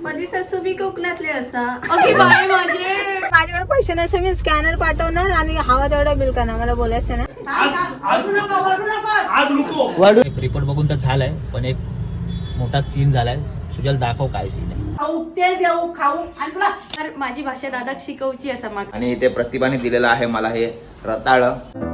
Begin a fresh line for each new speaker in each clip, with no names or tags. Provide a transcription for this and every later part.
माझी सासू बी कोकणातले असा.
ओके बाय माझे.
माझ्याकडे पैसे नसे मी स्कॅनर पाठवणार आणि हवा तेवढा बिल करणार. मला बोलायचं ना.
रिपोर्ट बघून तर झालाय, पण एक मोठा सीन झालाय. सुजल दाखव काय सीन आहे.
तर माझी भाषा दादा शिकवची असा मग.
आणि ते प्रतिभाने दिलेलं आहे मला हे रताळ.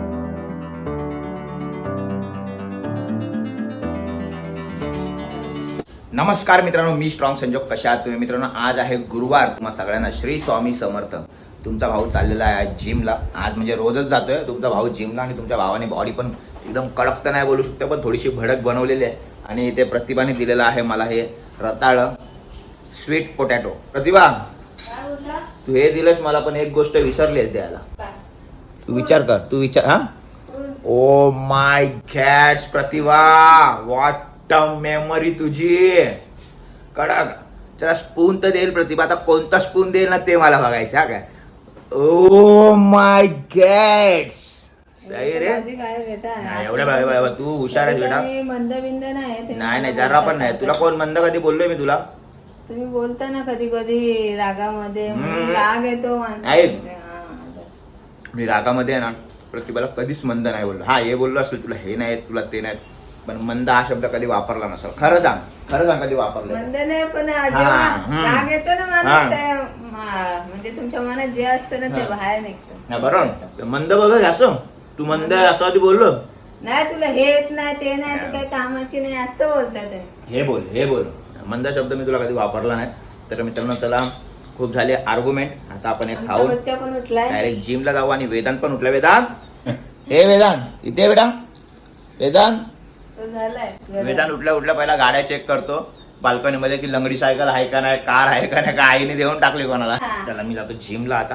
नमस्कार मित्रांनो, मी स्ट्रॉंग संजोग. कशा आहात तुम्ही मित्रांनो? आज आहे गुरुवार. तुम्हा सगळ्यांना श्री स्वामी समर्थ. तुमचा भाऊ चाललेला आहे आज जिमला. आज म्हणजे रोजच जातोय तुमचा भाऊ जिमला. आणि तुमच्या भावाने बॉडी पण एकदम कडक तर नाही बोलू शकतो, पण थोडीशी भडक बनवलेली आहे. आणि ते प्रतिभाने दिलेलं आहे मला हे रताळ स्वीट पोटॅटो. प्रतिभा, तू हे दिलंस मला, पण एक गोष्ट विसरलीस द्यायला. तू विचार कर, तू विचार. हा, oh my God Pratibha, what memory तुझी. कडक. चला स्पून तर देईल प्रतिभा. आता कोणता स्पून देईल ना ते मला बघायचं. काय ओ माय गॉड, सही रे.
काय बेटा
नाही एवढ्या बाबा, तू हुशार आहेस बेटा.
मंद बिंद नाही.
नाही जरा पण नाही. तुला कोण मंद कधी बोललोय मी तुला?
तुम्ही बोलता ना कधी कधी रागामध्ये, राग येतो
ऐक, मी रागामध्ये आहे ना प्रतिभाला कधीच मंद नाही बोललो. हा, हे बोललो असेल तुला हे नाही तुला ते नाही, पण मंद हा शब्द कधी वापरला नसेल. खरं सांग कधी वापरलं?
मंद नाही, पण राग येतो ना मनात, म्हणजे तुमच्या मनात जे असतं ना ते बाहेर निघतं.
बरोबर. मंद बघ असं, तू मंद आहे असं आधी बोललो
नाही. तुला हे येत नाही ते नाही, तू काही कामाची नाही असं बोलतात.
हे बोल. मंद शब्द मी तुला कधी वापरला नाही. तर मित्रांनो, त्याला खूप झाले आर्ग्युमेंट. आता आपण एक खाऊ,
बच्चा पण उठलाय,
डायरेक्ट जिमला जाऊ. आणि वेदांत पण उठला. वेदांत, हे वेदांत इथे बेटा. वेदांत वेदांत उठल्या पहिला गाड्या चेक करतो बाल्कनी मध्ये की लंगडी सायकल आहे का नाही, कार आहे का नाही, का आईने देऊन टाकली कोणाला. चला मी जातो जिमला आता.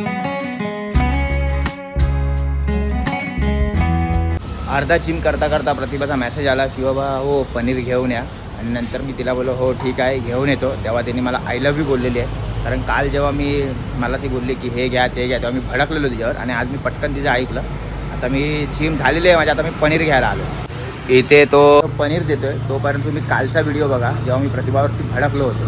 अर्धा जिम करता करता प्रतिभाचा मेसेज आला की बाबा हो पनीर घेऊन या. आणि नंतर मी तिला बोललो हो ठीक आहे घेऊन येतो. तेव्हा तिने मला आय लव्ह यू बोललेली आहे. कारण काल जेव्हा मला ती बोलली की हे घ्या ते घ्या, तेव्हा मी भडकलेलो तिच्यावर. आणि आज मी पटकन तिचं ऐकलं. आता मी जिम झालेली आहे माझी. आता मी पनीर घ्यायला आलो. इथे तो पनीर देतोय. तोपर्यंत तुम्ही कालचा व्हिडिओ बघा जेव्हा मी प्रतिभावरती भडकलो होतो.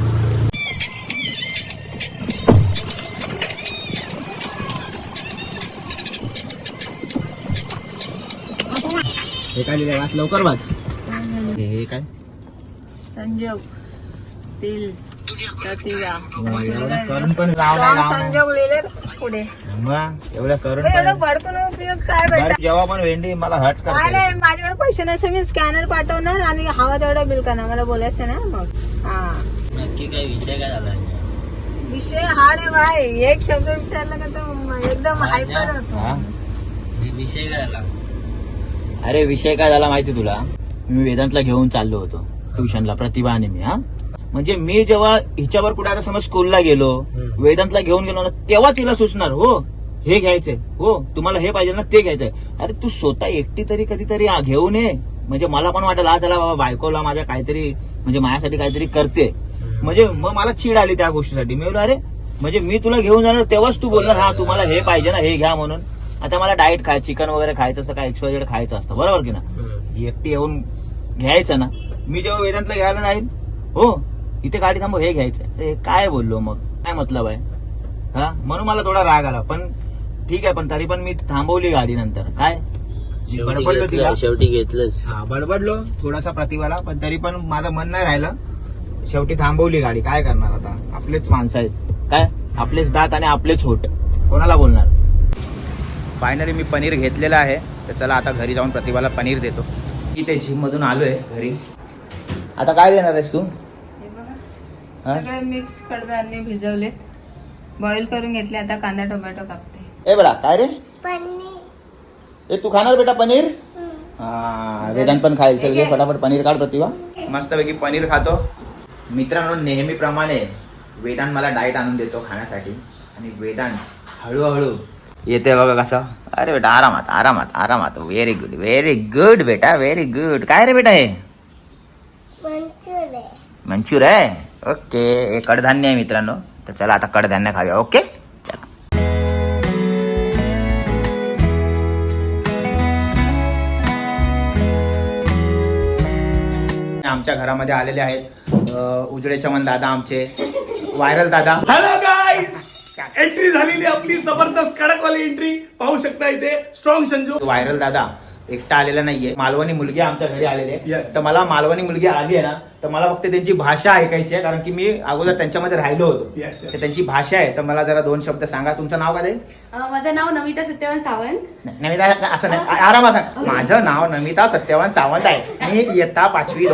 हे काय लिहिलंय? वाच लवकर वाच. हे काय?
संजोग तिल प्रतिभा
करून पण
संजोग लिहिले पुढे.
एवढ्या करून
एवढं भडकून उपयोग काय बेटा?
जेव्हा पण वेंडी मला हट
काय
करते.
नाही, माझ्याकडे पैसे नसे मी स्कॅनर पाठवणार आणि हवा तेवढा बिल करणार. मला बोलायचं ना मग. हा,
नक्की काय विषय काय झाला?
विषय हा रे भाई. एक शब्द विचारला का तो एकदम हायपर होतो.
विषय काय झाला? अरे विषय काय झाला माहिती तुला? मी वेदांतला घेऊन चाललो होतो ट्युशनला, प्रतिभा आणि मी. हा, म्हणजे मी जेव्हा हिच्यावर कुठे आता समज स्कूलला गेलो, वेदांतला घेऊन गेलो ना, तेव्हाच हिला सुचणार हो हे घ्यायचंय, हो तुम्हाला हे पाहिजे ना ते घ्यायचंय. अरे तू स्वतः एकटी तरी कधीतरी घेऊन ये. म्हणजे मला पण वाटेल हा चला बाबा बायकोला माझ्या काहीतरी म्हणजे माझ्यासाठी काहीतरी करते. म्हणजे मग मला चीड आली त्या गोष्टीसाठी. मी बोललो अरे म्हणजे मी तुला घेऊन जाणार तेव्हाच तू बोलणार हा तुम्हाला हे पाहिजे ना हे घ्या म्हणून. आता मला डाएट चिकन वगैरे खायचं असतं, काय XYZ खायचं असतं, बरोबर की ना. एकटी येऊन घ्यायचं ना. मी जेव्हा वेदांतला घ्यायला जाईल हो इथे गाडी थांबव हे घ्यायचंय. अरे काय बोललो मग, काय मतलब आहे? हा, म्हणून मला थोडा राग आला. पण ठीक आहे, पण तरी पण मी थांबवली गाडी. नंतर काय बडबडलो तिला,
शेवटी घेतलंच.
हा बडबडलो थोडासा प्रतिभाला, पण तरी पण माझं मन नाही राहिलं. शेवटी थांबवली गाडी. काय करणार आता, आपलेच माणसं आहेत काय, आपलेच दात आणि आपलेच होट, कोणाला बोलणार. फायनली मी पनीर घेतलेलं आहे. तर चला आता घरी जाऊन प्रतिभाला पनीर देतो. इथे जिम मधून आलोय घरी. आता काय देणार आहेस तू?
हे बघा सगळे मिक्स कडधान्य भिजवलेत, बॉईल करून घेतले. आता कांदा टोमॅटो कापते.
ए बेटा काय रे? ए तू खाणार बेटा पनीर? हा, वेदांत पण खायला. चल घे फटाफट पनीर काढ प्रतिभा. मस्तपैकी पनीर खातो. मित्रांनो, नेहमीप्रमाणे वेदांत मला डाएट आणून देतो खाण्यासाठी. आणि वेदांत हळूहळू येते बघा कसं. अरे बेटा आरामात आरामात आरामात. व्हेरी गुड बेटा, व्हेरी गुड. काय रे बेटा हे? मंचूर आहे. ओके, हे कडधान्य आहे मित्रांनो. तर चला आता कडधान्य खाऊया. ओके चला. आमच्या घरामध्ये आलेले आहेत उजळे चमन दादा आमचे. व्हायरल दादा.
हॅलो गाईस, एंट्री झालेली आपली जबरदस्त कडकवाली एंट्री पाहू शकता इथे. स्ट्रॉंग संजू.
व्हायरल दादा एकटा आलेला नाहीये, मालवणी मुलगी आमच्या घरी आलेली आहे.
Yes.
तर मला मालवणी मुलगी आली आहे ना, तर मला फक्त त्यांची भाषा ऐकायची आहे, कारण की मी अगोदर त्यांच्यामध्ये राहिलो होतो.
Yes, yes.
तर त्यांची भाषा आहे, तर मला जरा 2 शब्द सांगा. तुमचं नाव काय?
माझं नाव नमिता सत्यवान सावंत.
नमिता असं नाही, आरामात सांग. माझं नाव नमिता सत्यवान सावंत आहे. मी इयत्ता 5वी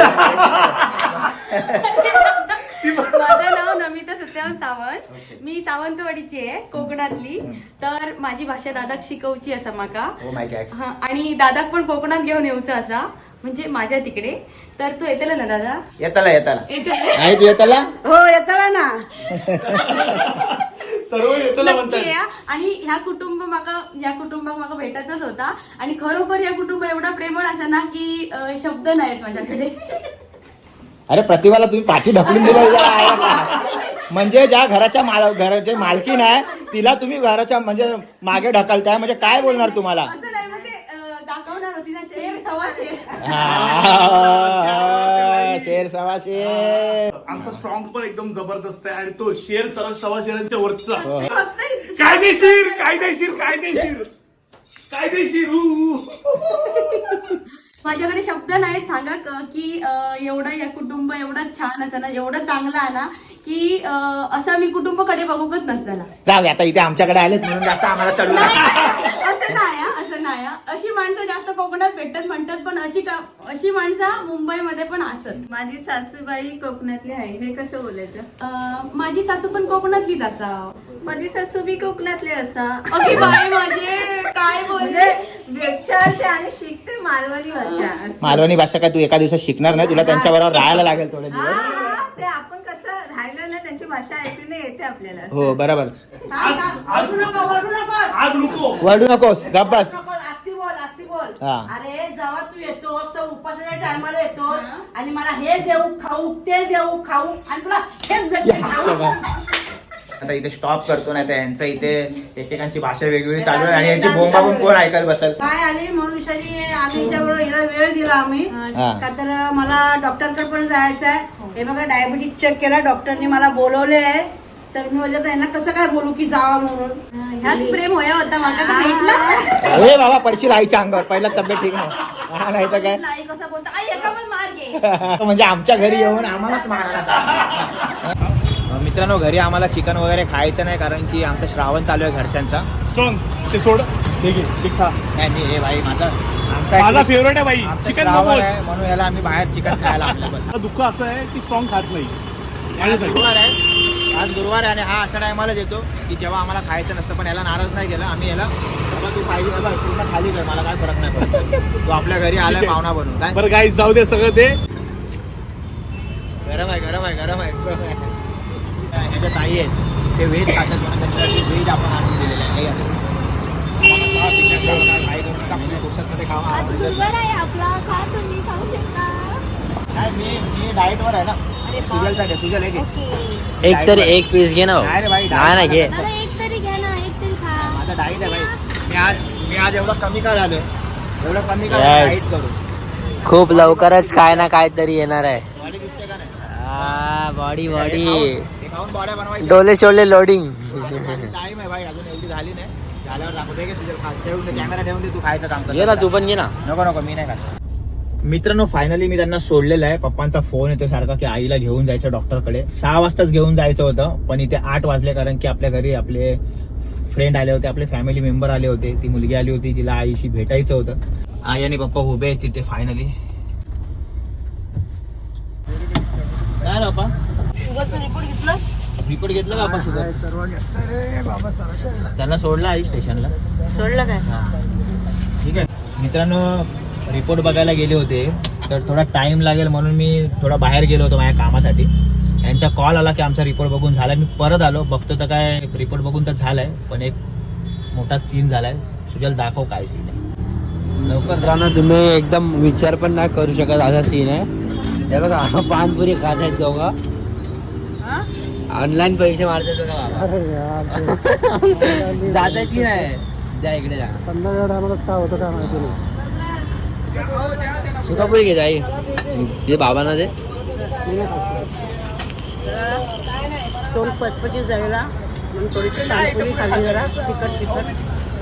माझं नाव नमिता सत्यवान सावंत. मी सावंतवाडीची आहे, कोकणातली. तर माझी भाषा दादाक शिकवची असा माका.
Oh my God.
हा, आणि दादाक पण कोकणात घेऊन येऊचं असा, म्हणजे माझ्या तिकडे. तर तू येतेला ना दादा?
येताला
येते
आहे तू येताला?
हो येताला ना.
सर्व येतो
नक्की
म्हणतात.
या. आणि ह्या कुटुंबाक माका भेटायचाच होता. आणि खरोखर या कुटुंब एवढा प्रेमळ असा ना की शब्द नाहीत माझ्याकडे.
अरे प्रतिभाला तुम्ही पाठी ढकलून दिला. म्हणजे ज्या घराची मालकीन आहे तिला तुम्ही घराच्या म्हणजे मागे ढकलताय, म्हणजे काय बोलणार तुम्हाला?
असं नाही, मग ते दाखवणार होती ना, शेर सव्वा शेर.
शेर सवा शेर.
आमचा स्ट्रॉंग पण एकदम जबरदस्त आहे आणि तो शेर सव्वा शेरांच्या वरचा.
फक्त इतकं-
कायदेशीर कायदेशीर कायदेशीर कायदेशीर.
माझ्याकडे शब्द नाहीत सांगा की एवढं या कुटुंब एवढं छान असं ना, एवढं चांगलं आहे ना की असं मी कुटुंबाकडे बघूकच नसताना.
जाऊ दे, आता इथे आमच्याकडे आलेत म्हणून जास्त आम्हाला चढू नका.
असं नाही हा, असं नाही हा. अशी माणसं जास्त कोकणात भेटतात म्हणतात, पण अशी माणसं मुंबईमध्ये पण असत.
माझी सासूबाई कोकणातली आहे, हे कसं बोलायचं?
माझी सासू पण कोकणातलीच असा.
माझी सासू बी कोकणातली असा.
अगदी बाय माझे काय बोलले.
म्हणजे विचारते आणि शिकते मालवणी भाषा असं.
मालवणी भाषा काय तू एका दिवसात शिकणार नाही, तुला त्यांच्या बरोबर राहायला लागेल थोडे
हा,
दिवस.
हा, ते आपण कसं राहिलं ना, त्यांची भाषा ऐकून येते आपल्याला असं.
हो बरोबर.
आज नको.
वरडू नकोस, गप्प बस.
असती बोल.
हा.
अरे जेव्हा तू येतोस तर उपासाच्या टायमाला येतोस आणि मला हे देऊ खाऊ ते देऊ खाऊ आणि तुला हेच भेटते खाऊ.
आता इथे स्टॉप करतो, नाही तर यांचं इथे एकेकांची भाषा वेगवेगळी चालू आहे आणि याची बोंबा पण कोण ऐकायला बसेल.
काय आली म्हणून विषयाने आम्ही हिच्याबरोबर हिला वेळ दिला आम्ही.
हा.
का तर मला डॉक्टरकडे पण जायचं आहे. हे बघा डायबिटीस चेक केला डॉक्टरने, मला बोलवले आहे. तर मी म्हणजे त्यांना कसं काय बोलू की जावा म्हणून.
ह्याच प्रेम होया होता माका तर भेटला.
अरे बाबा पडशील आईच्या अंगावर, पहिला तब्येत ठीक नाही, नाही तर काय.
नाही कसं बोलतो आई, एका पण मार घे.
म्हणजे आमच्या घरी येऊन आम्हालाच मारायला. मित्रांनो, घरी आम्हाला चिकन वगैरे खायचं नाही, कारण की आमचा श्रावण चालू आहे घरच्यांचा.
स्ट्रॉंग ते सोड. ठीक आहे, ठीक खा.
नाही मी हे भाई
माझा
आमचा
फेवरेट आहे बाई चिकन
श्रावण
मोमोज.
आहे, म्हणून याला आम्ही बाहेर चिकन खायला आणलं.
मला दुःख असं आहे की स्ट्रॉंग खात नाही.
आज गुरुवार आहे, आज गुरुवार आहे आणि हा अशा टायमाला येतो की जेव्हा आम्हाला खायचं नसतं, पण याला नाराज नाही केला आम्ही. याला बाबा तू पाहिजे बाबा पूर्ण खाली कर, मला काय फरक नाही पडत. तू आपल्या घरी आलाय पाहुणा बनून. काय
बरं गाईस, जाऊ दे सगळं ते.
गरम आहे गरम आहे गरम आहे. ह्याच्या ताई आहेत, ते व्हेज खातात म्हणून त्यांच्यासाठी व्हेज आपण आणून दिलेलं आहे. मी डाएटवर आहे ना, सुजलसाठी. सुजल आहे की
एक तरी एक पीस घे ना भाऊ.
नाही रे भाई,
नाही ना घे.
एक तरी घ्या ना, एक तरी खा.
माझा डाएट आहे भाई. मी आज एवढं कमी का झालोय, एवढं कमी का
Yes.
डाएट करू.
खूप लवकरच काय ना काय तरी येणार आहे.
बॉडी दिसते का नाही?
बॉडी
हे खाऊन बॉड्या बनवायच्या.
डोले शोले लोडिंग.
टाइम आहे भाई, अजून एवढी झाली नाही. झाल्यावर दाखवते की सुजल खा. ठेवून दे, कॅमेरा ठेवून दे, तू खायचं काम कर.
घे ना तू पण घे ना.
नको नको, मी नाही खात. मित्रांनो, फायनली मी त्यांना सोडलेलं आहे. पप्पांचा फोन येतो सारखा की आईला घेऊन जायचं डॉक्टरकडे. 6 वाजताच घेऊन जायचं होतं, पण इथे 8 वाजले, कारण की आपल्या घरी आपले फ्रेंड आले होते, आपले फॅमिली मेंबर आले होते. ती मुलगी आली होती, तिला आईशी भेटायचं होतं. आई आणि पप्पा उभे आहेत तिथे फायनली. काय रे पप्पा, रिपोर्ट घेतला का आपण? शुगर त्यांना सोडला आई स्टेशनला.
सोडलं काय?
ठीक आहे मित्रांनो, रिपोर्ट बघायला गेले होते, तर थोडा टाइम लागेल म्हणून मी थोडा बाहेर गेलो होतो माझ्या कामासाठी. यांचा कॉल आला की आमचा रिपोर्ट बघून झालाय. मी परत आलो, बघतो तर काय रिपोर्ट बघून तर झालाय, पण एक मोठा सीन झालाय. सुजल दाखव काय सीन आहे लवकर.
मित्रांनो, तुम्ही एकदम विचार पण नाही करू शकत असा सीन आहे. हे बघा, पानपुरी खात आहेत दोघं. ऑनलाईन पैसे मारतात बघा बाबा. जाताची नाही, जा इकडे जा. सुकापुरी घे जाई, ते बाबांना दे.
तोंड पचपची जायला म्हणून थोडीशी पाणीपुरी खाल्ली जरा तिखट.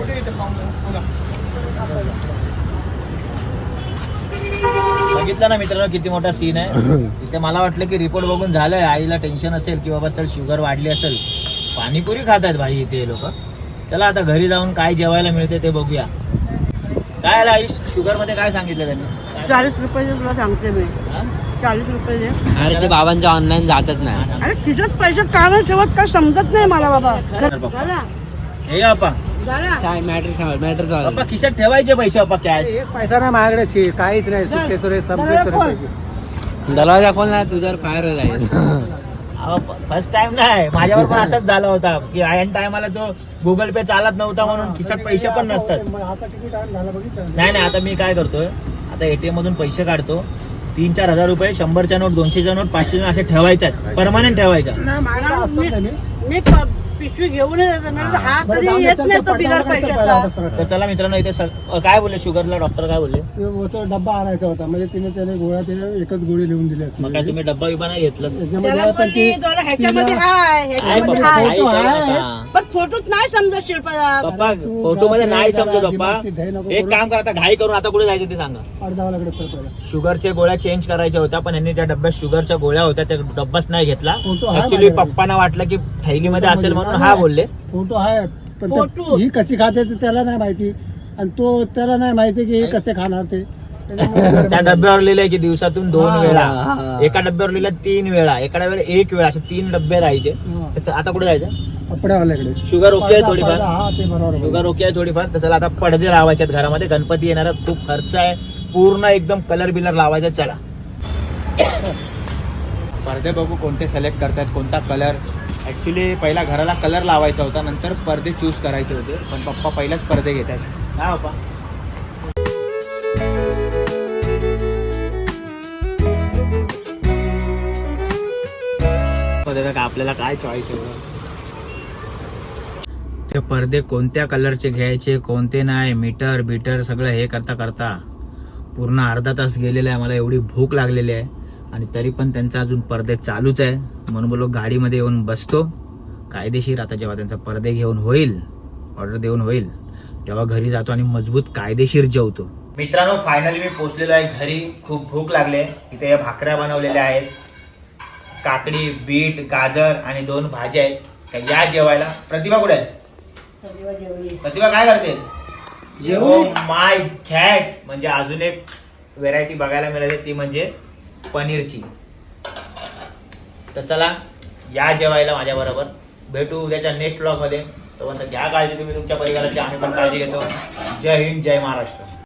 बघितलं ना मित्रांनो किती मोठा सीन आहे. इथे मला वाटलं की रिपोर्ट बघून झालंय, आईला टेन्शन असेल की बाबा चल शुगर वाढली असेल, पाणीपुरी खात आहेत भाई इथे लोक. चला आता घरी जाऊन काय जेवायला मिळते ते बघूया. काय आला आई, शुगर मध्ये काय सांगितलं त्यांनी?
40 रुपये तुला सांगते मी. 40 रुपये दे.
अरे ते बाबांच्या ऑनलाईन जातच नाही.
अरे खिशात पैसे का नाही ठेवत काय समजत नाही मला बाबा. झाला
हे आपा
झाला.
मॅटर
बाप्पा खिशात ठेवायचे पैसे बाप्पा कॅश.
पैसा नाही माझ्याकडे, काहीच नाही.
दरवाजा खोल ना, तुझ्यावर फायर जाईल.
फर्स्ट टाइम नाही, माझ्यावर पण असंच झाला होता की ऐन टायमाला तो गुगल पे चालत नव्हता म्हणून खिशात पैसे पण नसतात. नाही आता मी काय करतोय, आता एटीएम मधून पैसे काढतो, 3-4 हजार रुपये, 100च्या नोट, 200च्या नोट, 500च्या नोट असे ठेवायच्या, परमनंट ठेवायच्या.
मी पिशवी घेऊन हा कधी येत नाही तो बिगर पैशाचा.
तर चला मित्रांनो इथे काय बोलले शुगरला डॉक्टर काय बोलले?
तो डब्बा आणायचा होता, म्हणजे त्याने गोळ्या एकच गोळी लिहून दिली असते.
मग काय तुम्ही डब्बा बिबा नाही घेतलं?
त्याला बोलली तुला ह्याच्यामध्ये हाय, ह्याच्यामध्ये हाय, पण फोटोत नाही समजत शिल्पा.
पप्पा फोटो मध्ये नाही समजत पप्पा. एक काम करा, आता घाई करून आता कुठे जायचं ते सांगा. शुगरच्या गोळ्या चेंज करायच्या होत्या, पण यांनी त्या डब्यात शुगरच्या गोळ्या होत्या, त्या डब्बाच नाही घेतला. ऍक्च्युली पप्पांना वाटलं की थैलीमध्ये असेल म्हणून हा बोलले.
फोटो आहे, पण ही कशी खाते ते त्याला नाही माहिती, आणि तो त्याला नाही माहिती की हे कसे खाणार ते.
त्या डब्यावर लिहिलंय की दिवसातून 2 वेळा, एका डब्यावर लिहिलं 3 वेळा, एका वेळेला 1 वेळा, असे 3 डब्बे राहायचे. आता कुठे जायचं?
कपड्यावाल्याकडे.
शुगर ओके आहे थोडीफार,
हा ते बरोबर.
शुगर ओके आहे थोडीफार. तर चला आता पडदे लावायचे आहेत घरामध्ये, गणपती येणार, खूप खर्च आहे, पूर्ण एकदम कलर बिलर लावायचा. चला पडदे बघू कोणते सिलेक्ट करतात, कोणता कलर. ऍक्च्युली पहिला घराला कलर लावायचा होता, नंतर पडदे चूज करायचे होते, पण पप्पा पहिलाच पडदे घेत आहेत. काय पप्पा? आपल्याला काय चॉईस आहे? ते पडदे कोणत्या कलरचे घ्यायचे, कोणते नाही, मीटर बीटर सगळं हे करता करता पूर्ण अर्धा तास गेलेला आहे. मला एवढी भूक लागलेली आहे आणि तरी पण त्यांचा अजून पडदे चालूच आहे. म्हणून बोलो गाडीमध्ये येऊन बसतो कायदेशीर. आता जेव्हा त्यांचा पडदे घेऊन होईल, ऑर्डर देऊन होईल, तेव्हा घरी जातो आणि मजबूत कायदेशीर जेवतो. मित्रांनो फायनली मी पोहोचलेलो आहे घरी. खूप भूक लागले. इथे भाकऱ्या बनवलेल्या आहेत, काकडी, बीट, गाजर आणि 2 भाज्या आहेत. तर या जेवायला. प्रतिभा कुठे आहे? प्रतिभा काय करते? माय गॅड्स, म्हणजे अजून एक व्हेरायटी बघायला मिळाली, ती म्हणजे पनीरची. तर चला या जेवायला माझ्या बरोबर. भेटू उद्याच्या नेक्स्ट ब्लॉग मध्ये. तोपर्यंत घ्या काळजी तुम्ही तुमच्या परिवाराची, आम्ही पण काळजी घेतो. जय हिंद, जय महाराष्ट्र.